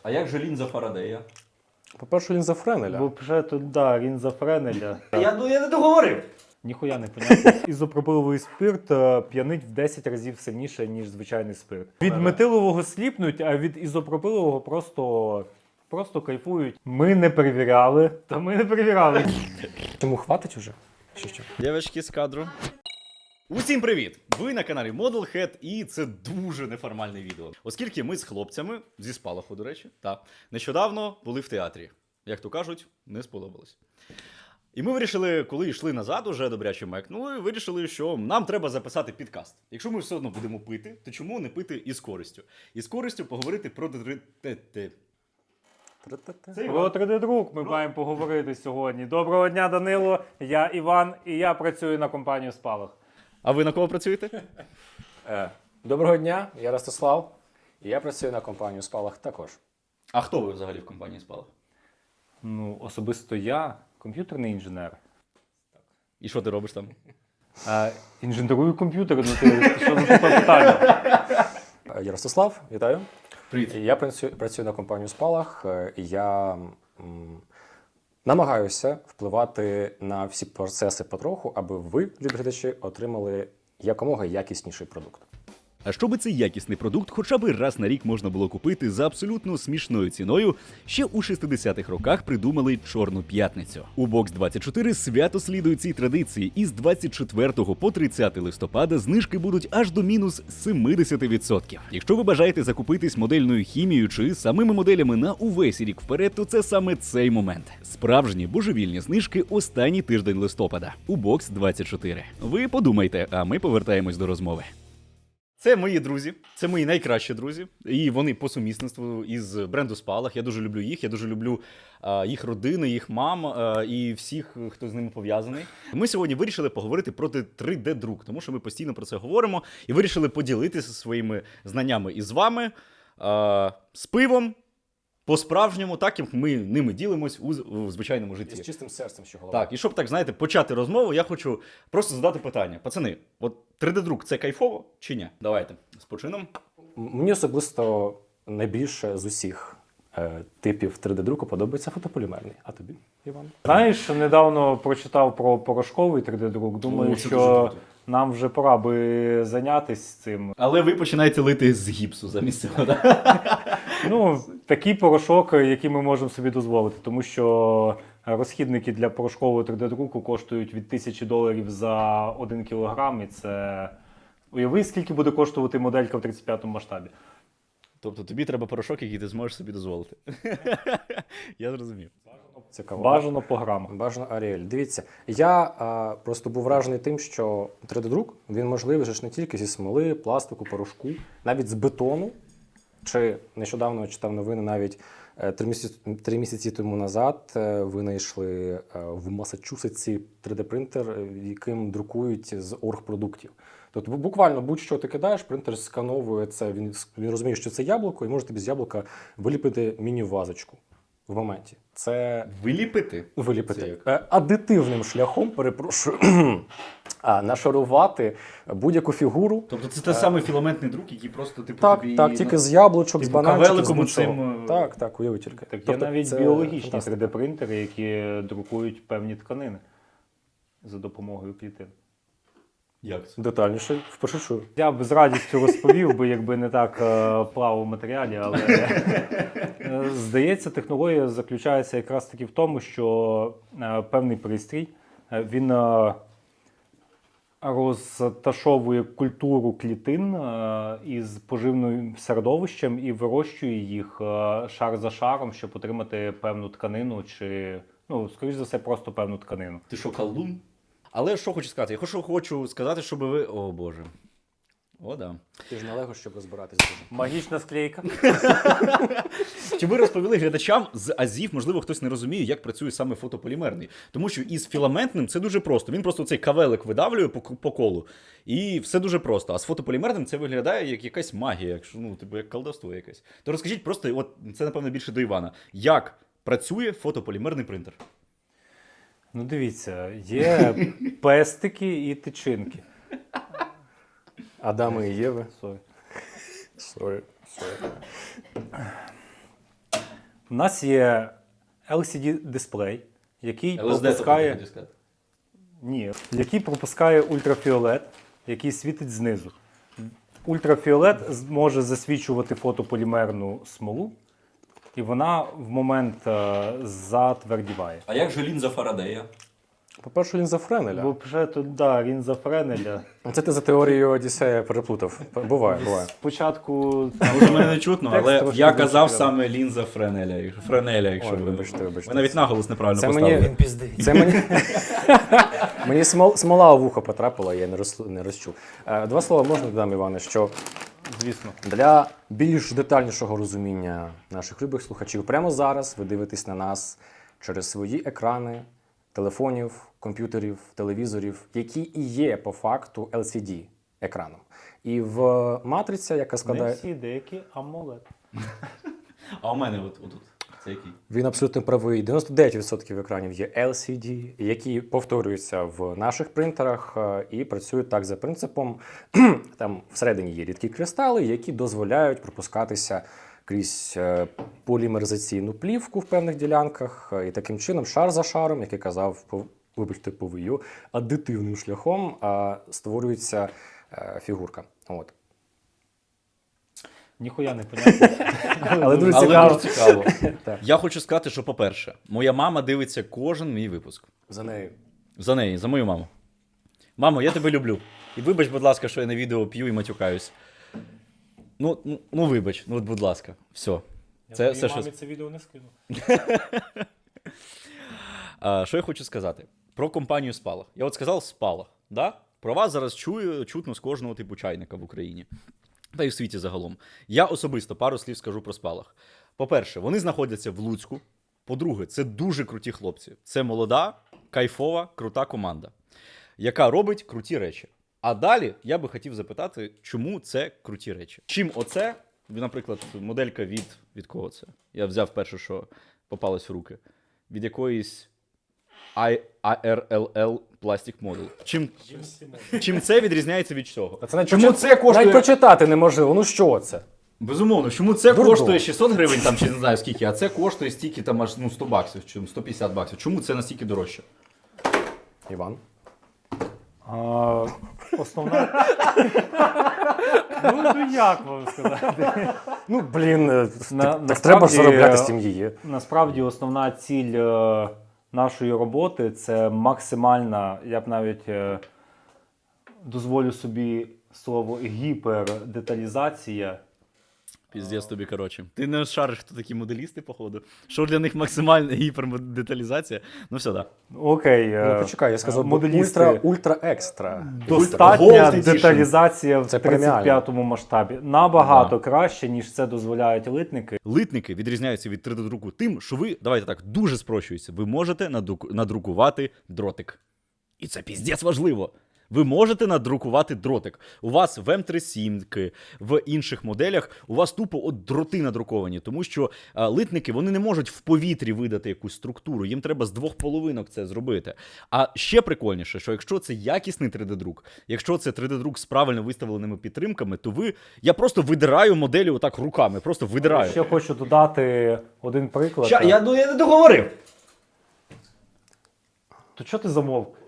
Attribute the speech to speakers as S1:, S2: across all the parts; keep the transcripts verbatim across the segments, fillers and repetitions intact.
S1: А як же лінза Фарадея?
S2: По-перше, лінза Френеля.
S3: Бо вже тут, да, лінза Френеля.
S1: Я, ну, я не договорив.
S3: Ніхуя не понятно. Ізопропиловий спирт е, п'янить в десять разів сильніше, ніж звичайний спирт. Від метилового сліпнуть, а від ізопропилового просто, просто кайфують. Ми не перевіряли, та ми не перевіряли.
S2: Тому хватить уже? Чи що?
S1: Дівчатки з кадру. Усім привіт! Ви на каналі Modelhead, і це дуже неформальне відео. Оскільки ми з хлопцями, зі Спалаху, до речі, та, нещодавно були в театрі. Як то кажуть, не сподобалось. І ми вирішили, коли йшли назад, уже добряче мекнули, вирішили, що нам треба записати підкаст. Якщо ми все одно будемо пити, то чому не пити із користю? І з користю поговорити про ТТ.
S3: Про три де-друк ми маємо поговорити сьогодні. Доброго дня, Данило, я Іван, і я працюю на компанію Спалах.
S1: А ви на кого працюєте?
S2: Е, Доброго дня, я Ростислав, і я працюю на компанію Спалах також.
S1: А хто ви взагалі в компанії Спалах?
S3: Ну, особисто я комп'ютерний інженер.
S1: І що ти робиш там?
S3: А, інженерую комп'ютери, ну ти що за таке питання?
S2: Е, Я Ростислав, вітаю.
S1: Привіт.
S2: І Я працюю, працюю на компанію Спалах, е, і я м, намагаюся впливати на всі процеси потроху, аби ви, любі глядачі, отримали якомога якісніший продукт.
S4: А щоби цей якісний продукт хоча б раз на рік можна було купити за абсолютно смішною ціною, ще у шістдесятих роках придумали Чорну п'ятницю. У бокс двадцять чотири свято слідує цій традиції, і з двадцять четвертого по тридцяте листопада знижки будуть аж до мінус сімдесят відсотків. Якщо ви бажаєте закупитись модельною хімією чи самими моделями на увесь рік вперед, то це саме цей момент. Справжні божевільні знижки останній тиждень листопада у бокс двадцять чотири. Ви подумайте, а ми повертаємось до розмови.
S1: Це мої друзі, це мої найкращі друзі, і вони по сумісництву із бренду Спалах. Я дуже люблю їх, я дуже люблю а, їх родини, їх мам а, і всіх, хто з ними пов'язаний. Ми сьогодні вирішили поговорити про три де-друк, тому що ми постійно про це говоримо, і вирішили поділитися своїми знаннями із вами, а, з пивом, по-справжньому, так як ми ними ділимось у, у звичайному
S2: І
S1: житті.
S2: з чистим серцем, що голова.
S1: Так, і щоб так, знаєте, почати розмову, я хочу просто задати питання. Пацани, от три де-друк це кайфово чи ні? Давайте, з почином.
S2: М- Мені особисто найбільше з усіх е, типів три де-друку подобається фотополімерний. А тобі, Іван?
S3: Знаєш, недавно прочитав про порошковий три де-друк. Думаю,
S1: О, це дуже
S3: що
S1: круто.
S3: нам вже пора би зайнятися цим.
S1: Але ви починаєте лити з гіпсу замість цього, так?
S3: Ну, такий порошок, який ми можемо собі дозволити, тому що розхідники для порошкового три де-друку коштують від тисячі доларів за один кілограм, і це... Уяви, скільки буде коштувати моделька в тридцять п'ятому масштабі.
S1: Тобто тобі треба порошок, який ти зможеш собі дозволити. Я зрозумів.
S2: Цікаво.
S3: Бажано по грамах.
S2: Бажано Аріель. Дивіться, я а, просто був вражений тим, що три де-друк, він можливий же ж не тільки зі смоли, пластику, порошку, навіть з бетону. Чи нещодавно читав новини, навіть е, три місяці, три місяці тому назад е, винайшли е, в Масачусетсі три де-принтер, е, яким друкують з оргпродуктів. Тобто бу- буквально будь-що ти кидаєш, принтер скановує це, він, він розуміє, що це яблуко, і може тобі з яблука виліпити міні-вазочку в моменті. Це
S1: Виліпити? Це
S2: виліпити.
S1: як?
S2: Е, Адитивним шляхом, перепрошую, а, нашарувати будь-яку фігуру.
S1: Тобто це той самий філаментний друк, який просто типу
S2: Так,
S1: тобі...
S2: так, тільки з яблучок, з
S1: типу
S2: бананчиків, з
S1: кавеликом
S2: будь-чого.
S1: оцим, е,
S2: Так, так, уяви тільки.
S3: Так є
S2: Тобто
S3: навіть
S2: це
S3: біологічні
S2: фантастика.
S3: три де-принтери, які друкують певні тканини за допомогою клітин.
S1: Як це?
S2: Детальніше, вперше чую.
S3: Я б з радістю розповів би, якби не так е, плавав в матеріалі, але е, здається, технологія заключається якраз таки в тому, що е, певний пристрій, е, він е, розташовує культуру клітин е, із поживним середовищем і вирощує їх е, шар за шаром, щоб отримати певну тканину чи, ну, скоріш за все, просто певну тканину.
S1: Ти що, колдун? Але що хочу сказати? Я хочу, хочу сказати, щоб ви... О, Боже. О, да.
S2: Ти ж не лего, щоб розбиратись дуже.
S3: Магічна склейка.
S1: Щоб ви розповіли глядачам з азів, можливо, хтось не розуміє, як працює саме фотополімерний. Тому що із філаментним це дуже просто. Він просто цей кавелик видавлює по, по колу, і все дуже просто. А з фотополімерним це виглядає як якась магія, якщо, ну, типу, як колдовство якесь. То розкажіть просто, от це, напевно, більше до Івана, як працює фотополімерний принтер?
S3: Ну, дивіться, є пестики і тичинки.
S2: Адами і Єви.
S3: Сорі.
S2: Сорі, сорі.
S3: У нас є ел сі ді-дисплей, який
S1: ел ес ді,
S3: пропускає...
S1: хотів сказати.
S3: Ні, який пропускає ультрафіолет, який світить знизу. Ультрафіолет може засвічувати фотополімерну смолу, і вона в момент е, затвердіває.
S1: А як же лінза Фарадея?
S2: По-перше, лінза Френеля.
S3: Бо вже тут, да, він за Френеля.
S2: Це ти за теорією Одіссея переплутав. Буває, буває.
S3: Спочатку...
S1: Може, мене не чутно,
S3: Текст
S1: але
S3: трошки
S1: я
S3: дуже
S1: казав
S3: цікавий.
S1: саме лінза Френеля, якщо- Френеля, якщо
S2: Ой,
S1: ви...
S2: вибачте, вибачте.
S1: Ви навіть наголос неправильно
S2: Це
S1: поставили.
S2: мені, це мені, мені смол, смола у вухо потрапила, я не, роз, не розчув. Е, Два слова можна додам, Іване, що
S3: Звісно.
S2: для більш детальнішого розуміння наших любих слухачів, прямо зараз ви дивитесь на нас через свої екрани, телефонів, комп'ютерів, телевізорів, які і є по факту ел сі ді-екраном. І в матриця, яка
S3: Не
S2: складає...
S3: всі, деякі AMOLED.
S1: А у мене от, отут. Це який?
S2: Він абсолютно правий. дев'яносто дев'ять відсотків екранів є ел сі ді, які повторюються в наших принтерах е, і працюють так за принципом. Там всередині є рідкі кристали, які дозволяють пропускатися крізь е, полімеризаційну плівку в певних ділянках. е, І таким чином, шар за шаром, як я казав, по, вибачте, повию, аддитивним шляхом е, створюється е, фігурка. От.
S3: Ніхуя не понятно.
S2: Але дуже
S1: Але
S2: цікаво.
S1: дуже цікаво.
S2: Так.
S1: Я хочу сказати, що, по-перше, моя мама дивиться кожен мій випуск.
S2: За нею.
S1: За неї, за мою маму. Мамо, я тебе люблю. І вибач, будь ласка, що я на відео п'ю і матюкаюсь. Ну, ну, ну вибач, ну от, будь ласка, все. Це все, що...
S3: це відео не скину.
S1: А, що я хочу сказати? Про компанію Спалах. Я от сказав Спалах, да? Про вас зараз чую, чутно з кожного типу чайника в Україні. Та й в світі загалом. Я особисто пару слів скажу про Спалах. По-перше, вони знаходяться в Луцьку. По-друге, це дуже круті хлопці. Це молода, кайфова, крута команда, яка робить круті речі. А далі я би хотів запитати, чому це круті речі? Чим оце, наприклад, моделька від... Від кого це? Я взяв перше, що попалось в руки. Від якоїсь ай ар ел ел Plastic Model. Чим, чим це відрізняється від цього?
S2: Та це навіть
S1: Чому
S2: прочит-
S1: це коштує...
S2: Навіть прочитати неможливо. Ну що це?
S1: Безумовно, чому це
S2: Дурдом.
S1: коштує шістсот гривень, там, чи не знаю скільки, а це коштує стільки там аж ну, сто баксів, чи сто п'ятдесят баксів. Чому це настільки дорожче?
S2: Іван?
S3: А, основна... ну, ну, як вам сказати?
S2: Ну, блін, е,
S3: На-
S2: так, так
S3: насправді,
S2: треба ж заробляти
S3: е,
S2: з сім'ї.
S3: Насправді основна ціль е, нашої роботи – це максимальна, я б навіть е, дозволю собі слово гіпердеталізація.
S1: Піздець тобі, коротше. Ти не шариш, хто такі моделісти, походу. Що для них максимальна гіпердеталізація? Ну все, так.
S3: Окей. е,
S2: Ну, почекай, я сказав,
S3: моделісти.
S2: ультра, ультра екстра.
S3: Достатня
S1: Gold Edition.
S3: деталізація в
S2: Це
S3: тридцять п'ятому масштабі. Набагато
S1: Да.
S3: краще, ніж це дозволяють литники.
S1: Литники відрізняються від три де-друку тим, що ви, давайте так, дуже спрощується, ви можете надруку- надрукувати дротик. І це піздець важливо. Ви можете надрукувати дротик. У вас в ем тридцять сім, в інших моделях, у вас тупо от дроти надруковані, тому що а, литники, вони не можуть в повітрі видати якусь структуру, їм треба з двох половинок це зробити. А ще прикольніше, що якщо це якісний три де-друк, якщо це три де-друк з правильно виставленими підтримками, то ви, я просто видираю моделі отак руками, просто видираю.
S3: Ще хочу додати один приклад.
S1: Ща, я, ну, я не договорив.
S3: То чого ти замовк?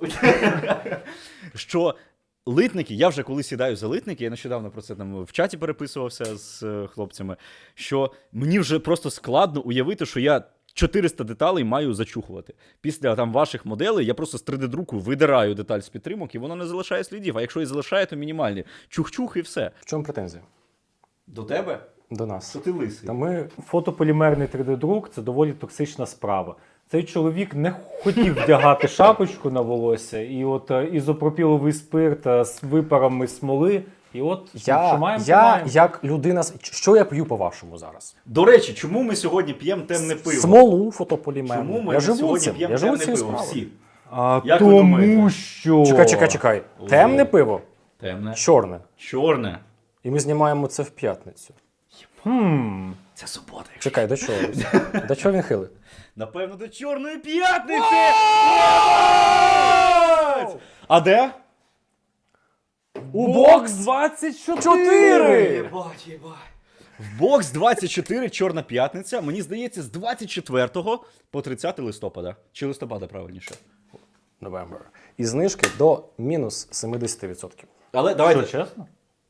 S1: Що литники, я вже коли сідаю за литники, я нещодавно про це там в чаті переписувався з е, хлопцями, що мені вже просто складно уявити, що я чотириста деталей маю зачухувати. Після там ваших моделей я просто з три де-друку видираю деталь з підтримок, і воно не залишає слідів. А якщо і залишає, то мінімальні. Чух-чух і все.
S2: В чому претензія?
S1: До тебе?
S2: До нас.
S1: Що ти лисий?
S2: Та ми
S3: Фотополімерний три де-друк – це доволі токсична справа. Цей чоловік не хотів вдягати шапочку на волосся, і от е, ізопропіловий спирт е, з випарами смоли, і от що
S2: я,
S3: маємо, то
S2: я
S3: маємо.
S2: як людина, з- що я п'ю по-вашому зараз?
S1: До речі, чому ми сьогодні п'ємо темне пиво?
S2: Смолу фотополімерну.
S1: Чому ми
S2: я живу
S1: сьогодні
S2: цим,
S1: п'ємо
S2: я живу
S1: темне
S2: цією
S1: пиво?
S2: справою.
S1: Всі.
S3: А,
S1: Як ви
S3: тому
S1: думаєте?
S3: що...
S2: Чекай, чекай, чекай.
S1: О.
S2: Темне пиво,
S1: Темне.
S2: чорне.
S1: Чорне.
S2: І ми знімаємо це в п'ятницю.
S3: Хм.
S1: Це субота. Якщо...
S2: Чекай, до чого? До чого він хилить?
S1: Напевно, до Чорної п'ятниці! А де?
S2: У бокс
S3: двадцять
S2: чотири!
S1: Єбать, єбать. В бокс двадцять чотири Чорна п'ятниця, мені здається, з двадцять четвертого по тридцяте листопада. Чи листопада, правильніше.
S2: November. І знижки до мінус сімдесят відсотків.
S1: Але давайте.
S3: Що, чесно?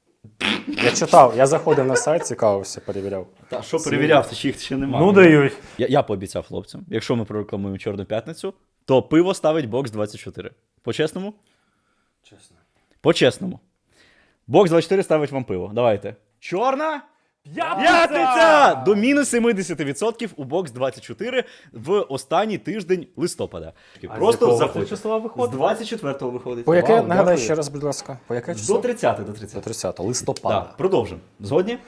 S2: Я читав, я заходив на сайт, цікавився, перевіряв.
S1: Та, що перевіряв, це ще їх ще немає.
S3: Ну дають.
S1: Я, я пообіцяв хлопцям, якщо ми прорекламуємо Чорну п'ятницю, то пиво ставить бокс двадцять чотири. По-чесному?
S2: Чесно.
S1: По-чесному. Бокс двадцять чотири ставить вам пиво. Давайте. Чорна
S3: П'ятниця!
S1: п'ятниця! До мінус сімдесят відсотків у бокс двадцять чотири в останній тиждень листопада.
S3: А з
S1: Просто
S3: якого це
S1: заходьте.
S3: числа
S1: З
S3: виходить?
S1: двадцять четвертого виходить.
S2: По яке,
S1: Вау,
S2: нагадай
S1: дякую.
S2: ще раз, будь ласка, по яке
S1: До
S2: число?
S1: тридцятого, до
S2: До
S1: тридцятого.
S2: тридцятого листопада.
S1: Так, продовжимо. Згодні?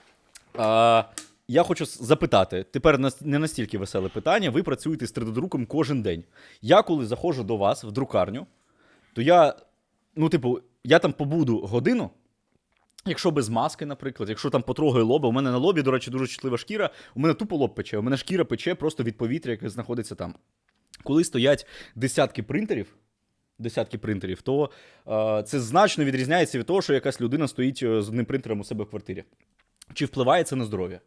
S1: А, я хочу с- запитати, тепер нас- не настільки веселе питання. Ви працюєте з три Д-друком кожен день. Я коли заходжу до вас в друкарню, то я, ну, типу, я там побуду годину, якщо без маски, наприклад, якщо там потрогаю лоба, у мене на лобі, до речі, дуже чутлива шкіра, у мене тупо лоб пече, у мене шкіра пече просто від повітря, яке знаходиться там. Коли стоять десятки принтерів, десятки принтерів, то е, це значно відрізняється від того, що якась людина стоїть е, з одним принтером у себе в квартирі. Чи впливає це на здоров'я?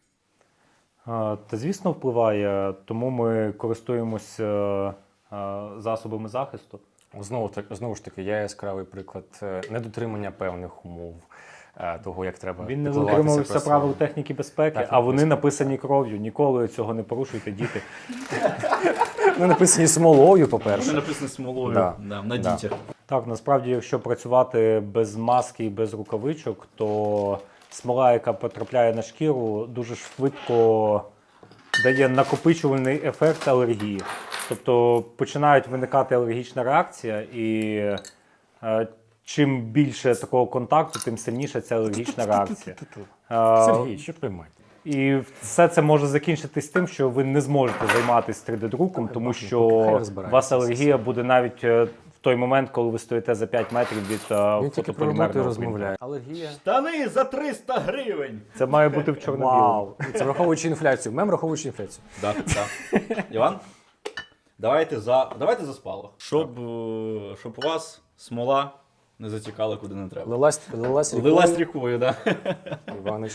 S3: А, Та звісно впливає, тому ми користуємося а, засобами захисту.
S2: Знову, так, знову ж таки, я яскравий приклад е, недотримання певних умов, е, того, як треба
S3: Він не
S2: піклуватися
S3: дотримувався
S2: про
S3: правил
S2: себе.
S3: техніки безпеки,
S2: Техніки
S3: а вони
S2: безпеки.
S3: написані кров'ю. Ніколи цього не порушуйте, діти.
S2: Вони написані смолою, по-перше.
S1: написано смолою
S2: Да.
S1: на
S2: Да.
S1: дітях.
S3: Так, насправді, якщо працювати без маски і без рукавичок, то смола, яка потрапляє на шкіру, дуже швидко дає накопичувальний ефект алергії. Тобто починають виникати алергічна реакція, і е, чим більше такого контакту, тим сильніша ця алергічна реакція. Е,
S2: Сергій, що приймати?
S3: І все це може закінчитись тим, що ви не зможете займатися три Д-друком, тому
S2: Хай
S3: що у
S2: розбирається
S3: вас
S2: це
S3: алергія буде навіть е, в той момент, коли ви стоїте за п'ять метрів від е,
S2: Він тільки про роботу і
S3: фотополімерного
S2: розмовляє. Алергія.
S1: Штани за триста гривень!
S3: Це має бути в чорно-білому.
S2: Вау! Це враховуючи інфляцію. Мем враховуючи інфляцію.
S1: Да, да. Іван? Давайте за, давайте за спалах. Щоб, е, щоб у вас смола не затікала куди не треба.
S2: Лилась, лилась рікою.
S1: Лилась рікою, да.
S2: Іванич.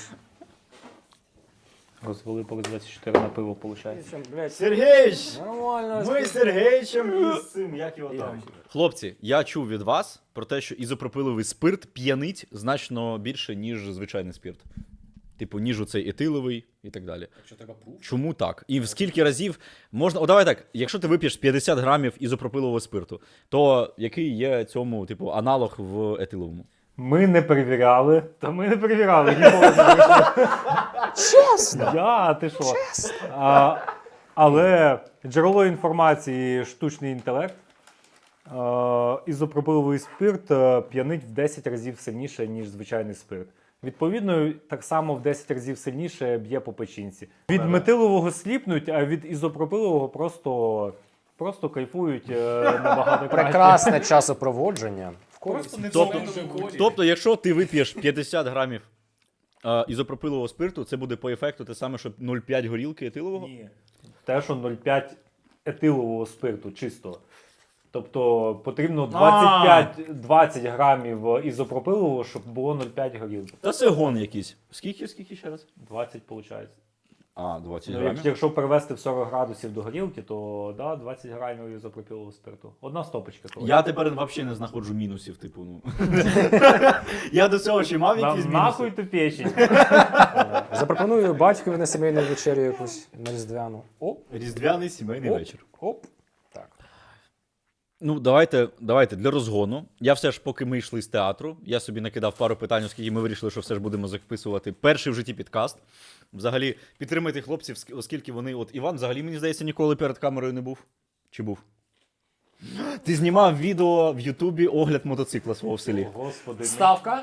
S3: Розвели бокс двадцять чотири на пиво, виходить.
S1: Сергійович!
S2: Нормально.
S1: Ми з Сергійовичем із цим, як його там. Хлопці, я чув від вас про те, що ізопропиловий спирт п'янить значно більше, ніж звичайний спирт. Типу, ніж оцей етиловий і так далі. Чому так? І в скільки разів можна. О, давай так, якщо ти вип'єш п'ятдесят грамів ізопропилового спирту, то який є цьому, типу, аналог в етиловому?
S3: Ми не перевіряли, та ми не перевіряли. Ніколи не вийшло.
S2: Чесно!
S3: Я, ти що? А, але джерело інформації штучний інтелект. А, ізопропиловий спирт е, п'янить в десять разів сильніше, ніж звичайний спирт. Відповідно, так само в десять разів сильніше б'є по печінці. Від метилового сліпнуть, а від ізопропилового просто, просто кайфують е, набагато краще.
S2: Прекрасне часопроводження. В користь.
S1: Тобто, тобто, якщо ти вип'єш п'ятдесят грамів е, ізопропилового спирту, це буде по ефекту те саме, що нуль цілих п'ять горілки етилового?
S3: Ні. Те, що нуль цілих п'ять етилового спирту чистого. Тобто потрібно двадцять п'ять двадцять грамів ізопропилового, щоб було нуль цілих п'ять горілки.
S1: Та це гон якийсь. Скільки, скільки ще раз?
S3: двадцять виходить.
S1: А, двадцять
S3: Ну,
S1: грамів.
S3: як- якщо перевести в сорок градусів до горілки, то да, двадцять грамів ізопропилового спирту. Одна стопочка. того.
S1: Я тепер взагалі не знаходжу мінусів, типу, ну. Я до цього ще мав
S3: На-
S1: якісь
S3: Нахуй
S1: мінуси.
S3: ту печень.
S2: Запропоную батькові на сімейну вечерю якусь на різдвяну. Оп,
S1: Різдвяний сімейний
S2: Оп.
S1: вечір.
S2: оп. Так.
S1: Ну, давайте, давайте для розгону. Я все ж, поки ми йшли з театру, я собі накидав пару питань, оскільки ми вирішили, що все ж будемо записувати перший в житті підкаст. Взагалі, підтримайте хлопців, ск- оскільки вони. От Іван, взагалі, мені здається, ніколи перед камерою не був. Чи був? Ти знімав відео в Ютубі огляд мотоцикла свого в селі.
S3: О, Господи,
S2: Ставка.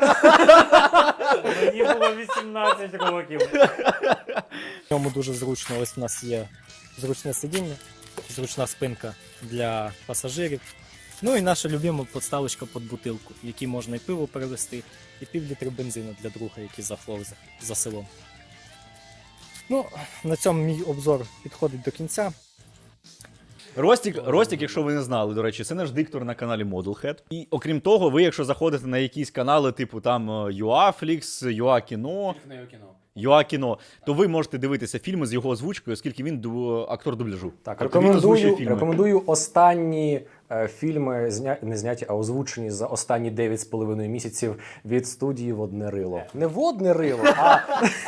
S3: мені було вісімнадцять років.
S5: В ньому дуже зручно. Ось у нас є зручне сидіння, зручна спинка для пасажирів. Ну і наша любима подставочка під бутилку, в якій можна і пиво перевезти, і півлітри бензину для друга, який захлов за, за селом. Ну, на цьому мій обзор підходить до кінця.
S1: Ростік, Ростік, якщо ви не знали, до речі, це наш диктор на каналі Modelhead. І окрім того, ви, якщо заходите на якісь канали, типу там Юафлікс, Юакіно, Юакіно, то ви можете дивитися фільми з його озвучкою, оскільки він ду- актор дубляжу.
S2: Так,
S1: Тобто він озвучує
S2: рекомендую,
S1: фільми.
S2: рекомендую останні е, фільми, зня... не зняті, а озвучені за останні дев'ять з половиною місяців від студії «Водне рило». Не «Водне рило», а,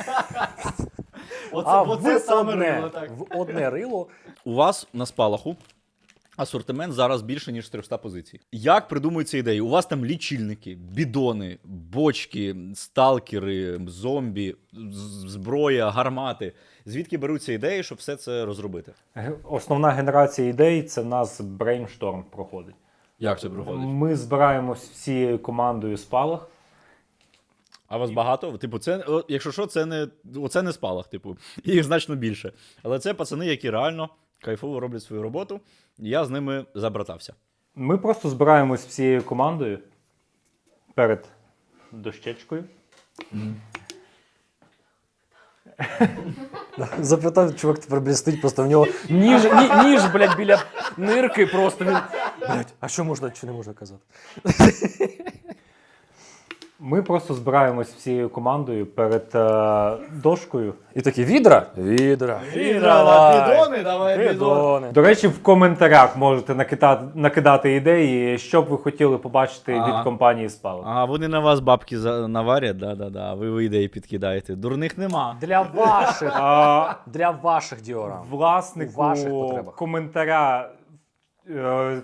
S1: Оце,
S2: а
S1: оце
S2: в,
S1: саме
S2: одне,
S1: рило, так.
S2: в «Одне рило».
S1: У вас на спалаху асортимент зараз більше, ніж триста позицій. Як придумуються ідеї? У вас там лічильники, бідони, бочки, сталкери, зомбі, з- зброя, гармати. Звідки беруться ідеї, щоб все це розробити?
S3: Ге- Основна генерація ідей це в нас брейншторм проходить.
S1: Як це проходить?
S3: Ми збираємось всією командою спалах.
S1: А вас багато? Типу, це, о, якщо що, це не, оце не спалах, типу, їх значно більше. Але це пацани, які реально кайфово роблять свою роботу, і я з ними забратався.
S3: Ми просто збираємось всією командою перед дощечкою.
S2: Запитав, чувак тепер, блядь, стоїть, просто в нього ніж, ні, ніж, блядь, біля нирки просто. Він, блядь, а що можна, чи не можна казати?
S3: Ми просто збираємось всією командою перед е, дошкою.
S2: І такі, відра? Відра.
S1: Бідони, давай
S2: Бідони.
S3: До речі, в коментарях можете накидати, накидати ідеї, що б ви хотіли побачити
S1: Ага.
S3: від компанії Спалах.
S1: А вони на вас бабки за- наварять, да-да-да, а ви ви ідеї підкидаєте. Дурних нема.
S2: Для ваших,
S3: А,
S2: для ваших діорам.
S3: власнику
S2: У ваших потребах.
S3: коментаря. е,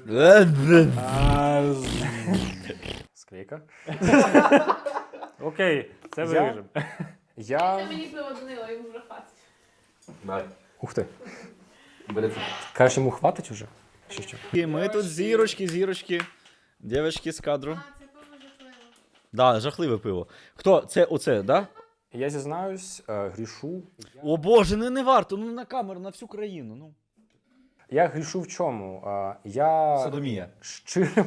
S2: Склейка.
S3: Окей, це
S2: Я-
S3: виріжемо.
S2: Я...
S6: Мені пиво донило, йому вже хватить.
S2: Ух ти. Кажеш, йому хватить уже? Чи що?
S1: І ми тут зірочки, зірочки. Дівчатки з кадру.
S6: А, це пиво жахливо.
S1: Да, жахливе пиво. Хто? Це оце, да?
S2: Я зізнаюсь, е, грішу.
S1: О боже, не, не варто, ну на камеру, на всю країну. Ну.
S2: Я грішу в чому? Е, Я
S1: Садомія.
S2: щиро,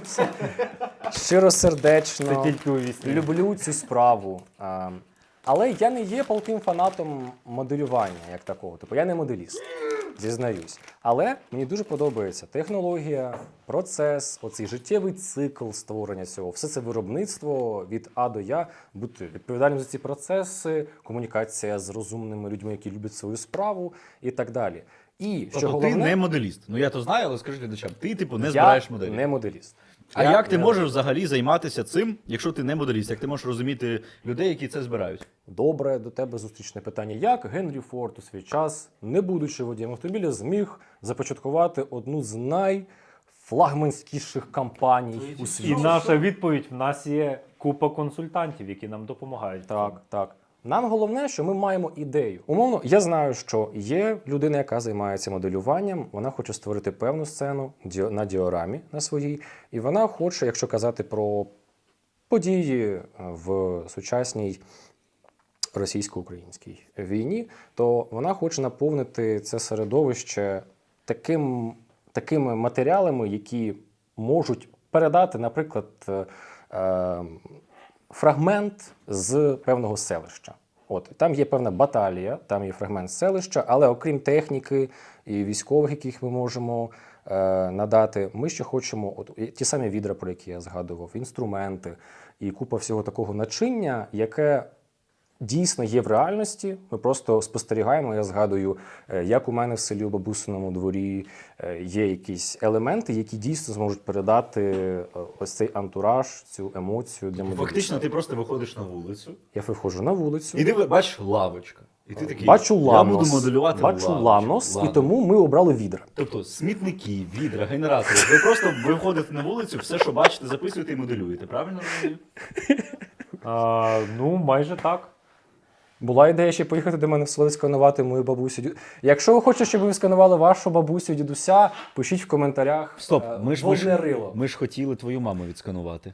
S2: щиросердечно
S3: Це тільки у вісні.
S2: люблю цю справу. Е, Але я не є палким фанатом моделювання як такого. Тобто я не моделіст, зізнаюсь. Але мені дуже подобається технологія, процес, оцей життєвий цикл створення цього. Все це виробництво від А до Я, бути відповідальним за ці процеси, комунікація з розумними людьми, які люблять свою справу і так далі. І що
S1: Тобто
S2: головне,
S1: ти не моделіст. Ну я то знаю, але скажи глядачам, ти типу не
S2: я
S1: збираєш моделі.
S2: не моделіст.
S1: А
S2: Я-
S1: як ти
S2: я-
S1: можеш взагалі займатися цим, якщо ти не моделіст? Як ти можеш розуміти людей, які це збирають?
S2: Добре, до тебе зустрічне питання. Як Генрі Форд у свій час, не будучи водієм автомобіля, зміг започаткувати одну з найфлагманськіших компаній у
S3: І
S2: світі?
S3: наша відповідь: в нас є купа консультантів, які нам допомагають.
S2: Так, так. Нам головне, що ми маємо ідею. Умовно, я знаю, що є людина, яка займається моделюванням, вона хоче створити певну сцену ді- на діорамі на своїй, і вона хоче, якщо казати про події е, в сучасній російсько-українській війні, то вона хоче наповнити це середовище таким, такими матеріалами, які можуть передати, наприклад, е, е, фрагмент з певного селища. От там є певна баталія, там є фрагмент селища, але окрім техніки і військових, яких ми можемо е, надати, ми ще хочемо от, і ті самі відра, про які я згадував, інструменти і купа всього такого начиння, яке дійсно є в реальності. Ми просто спостерігаємо. Я згадую, е, як у мене в селі у бабусиному дворі е, є якісь елементи, які дійсно зможуть передати е, ось цей антураж, цю емоцію для моделі.
S1: Фактично, ти просто виходиш на вулицю,
S2: Я виходжу на вулицю,
S1: і ти бачиш лавочка. І ти такий,
S2: бачу
S1: я
S2: ланос,
S1: буду моделювати
S2: бачу
S1: лавочку.
S2: ланос, і
S1: Ладно.
S2: тому ми обрали відра.
S1: Тобто смітники, відра, генератори. Ви просто виходите на вулицю, все, що бачите, записуєте і моделюєте. Правильно розумію?
S3: А, ну, майже так.
S2: Була ідея ще поїхати до мене в село сканувати мою бабусю. дю- Якщо ви хочете, щоб ви сканували вашу бабусю, дідуся, пишіть в коментарях.
S1: Стоп,
S2: е,
S1: ми ж, ми,
S2: «Водне
S1: ж,
S2: рило».
S1: ми ж хотіли твою маму відсканувати.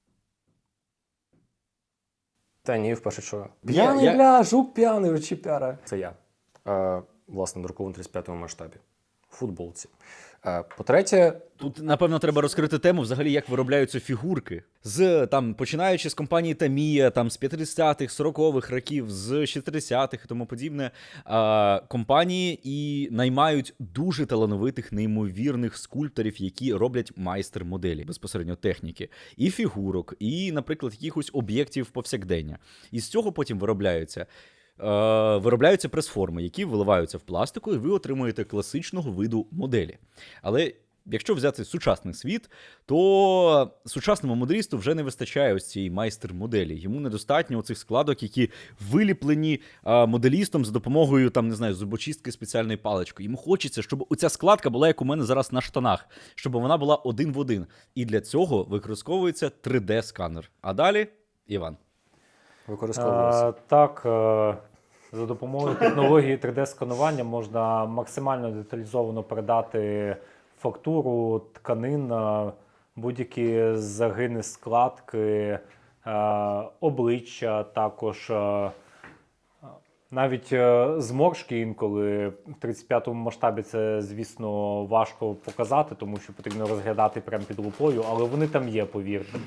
S2: Та ні, вперше що.
S1: Ні,
S2: П'яний,
S1: я-
S2: бля, жук п'яний, речіпяра. Це я. Е, власне, друкований в тридцять п'ятому масштабі. футболці. Е, По-третє,
S1: Тут, напевно, треба розкрити тему взагалі, як виробляються фігурки. З, там, починаючи з компанії Tamiya, там, з п'ятдесятих, сорокових років, з шістдесятих і тому подібне, а, компанії і наймають дуже талановитих, неймовірних скульпторів, які роблять майстер-моделі, безпосередньо техніки, і фігурок, і, наприклад, якихось об'єктів повсякдення. І з цього потім виробляються Е, виробляються прес-форми, які виливаються в пластику, і ви отримуєте класичного виду моделі. Але якщо взяти сучасний світ, то сучасному моделісту вже не вистачає ось цієї майстер-моделі. Йому недостатньо цих складок, які виліплені е, моделістом за допомогою, там, не знаю, зубочистки спеціальної палички. Йому хочеться, щоб оця складка була, як у мене зараз на штанах, щоб вона була один в один. І для цього використовується три де-сканер. А далі Іван.
S2: використовується.
S3: Е, так, е, за допомогою технології три де-сканування можна максимально деталізовано передати фактуру тканин, е, будь-які загини, складки, е, обличчя, також е, навіть е, зморшки інколи в тридцять п'ятому масштабі це, звісно, важко показати, тому що потрібно розглядати прямо під лупою, але вони там є, повірте.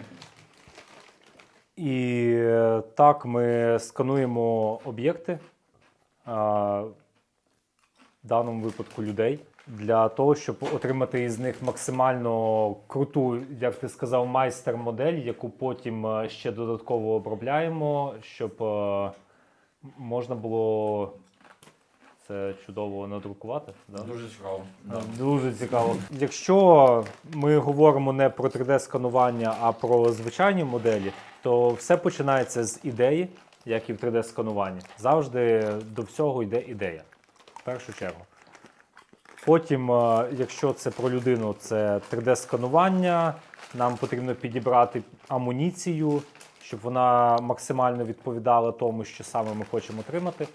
S3: І е, так ми скануємо об'єкти, а, в даному випадку людей, для того, щоб отримати із них максимально круту, як ти сказав, майстер-модель, яку потім е, ще додатково обробляємо, щоб е, можна було це чудово надрукувати. Да?
S1: Дуже цікаво.
S3: Да, дуже цікаво. Якщо ми говоримо не про три де-сканування, а про звичайні моделі, то все починається з ідеї, як і в три де-скануванні. Завжди до всього йде ідея, в першу чергу. Потім, е, якщо це про людину, це три де-сканування, нам потрібно підібрати амуніцію, щоб вона максимально відповідала тому, що саме ми хочемо отримати.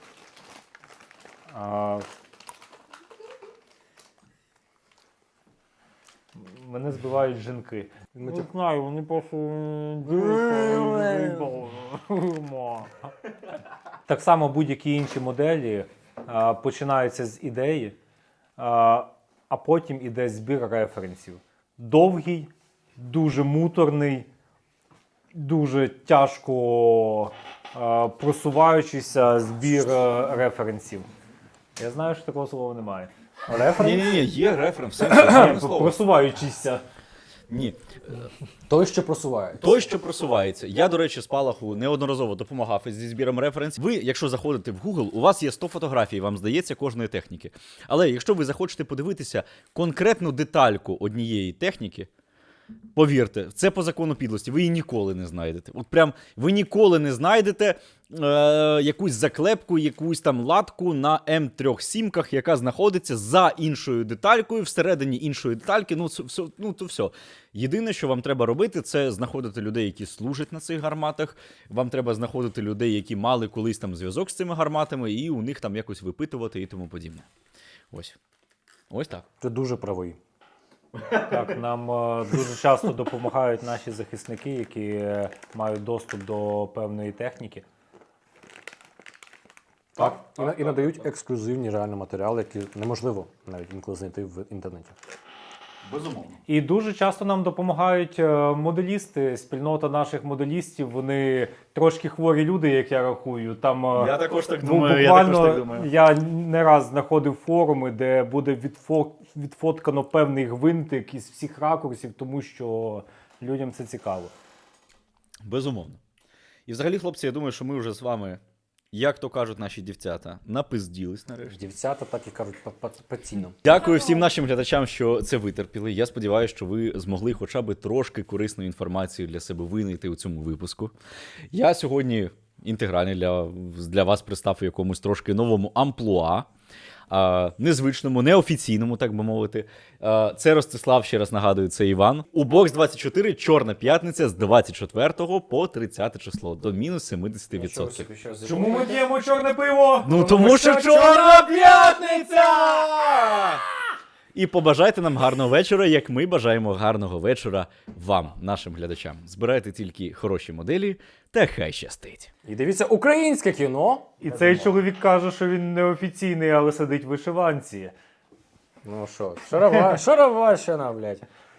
S3: А, Мене збивають жінки. Не знаю, вони просто так само будь-які інші моделі а, починаються з ідеї, а, а потім іде збір референсів. Довгий, дуже муторний, дуже тяжко а, просуваючийся збір а, референсів. Я знаю, що такого слова немає. Референс?
S1: Ні-ні-ні, є референс.
S3: Ні, просуваючийся.
S1: Ні.
S2: Той, що просувається.
S1: Той, що просувається. Я, до речі, Спалаху неодноразово допомагав зі збіром референсів. Ви, якщо заходите в Google, у вас є сто фотографій, вам здається, кожної техніки. Але якщо ви захочете подивитися конкретну детальку однієї техніки, повірте, це по закону підлості, ви її ніколи не знайдете. От прям ви ніколи не знайдете е, якусь заклепку, якусь там латку на ем три сімках, яка знаходиться за іншою деталькою, всередині іншої детальки, ну, все, ну то все. Єдине, що вам треба робити, це знаходити людей, які служать на цих гарматах, вам треба знаходити людей, які мали колись там зв'язок з цими гарматами, і у них там якось випитувати і тому подібне. Ось. Ось так.
S2: Ти дуже правий.
S3: Так, нам е, дуже часто допомагають наші захисники, які е, мають доступ до певної техніки.
S2: Так, і, на- і надають ексклюзивні реально матеріали, які неможливо навіть інколи знайти в інтернеті.
S1: Безумовно.
S3: І дуже часто нам допомагають е, моделісти, спільнота наших моделістів, вони трошки хворі люди, як я рахую. Там, е,
S1: Я також так
S3: бу-
S1: думаю, я
S3: буквально
S1: також так думаю.
S3: я не раз знаходив форуми, де буде відфо- відфоткано певний гвинтик із всіх ракурсів, тому що людям це цікаво.
S1: Безумовно. І взагалі, хлопці, я думаю, що ми вже з вами, як то кажуть наші дівчата, напизділись нарешті.
S2: Дівчата так і кажуть постійно.
S1: Дякую всім нашим глядачам, що це витерпіли. Я сподіваюся, що ви змогли хоча б трошки корисної інформації для себе винайти у цьому випуску. Я сьогодні інтегральний для, для вас представив в якомусь трошки новому амплуа. А, незвичному, неофіційному, так би мовити. А, це Ростислав, ще раз нагадую, це Іван. У бокс двадцять чотири Чорна п'ятниця з двадцять четвертого по тридцяте число, до мінус сімдесят відсотків.
S3: Чому ми п'ємо чорне пиво?
S1: Ну тому що Чорна п'ятниця! І побажайте нам гарного вечора, як ми бажаємо гарного вечора вам, нашим глядачам. Збирайте тільки хороші моделі, та хай щастить.
S2: І дивіться українське кіно.
S3: І цей чоловік каже, що він неофіційний, але сидить в вишиванці.
S2: Ну що, шарова, шароварщина, блядь.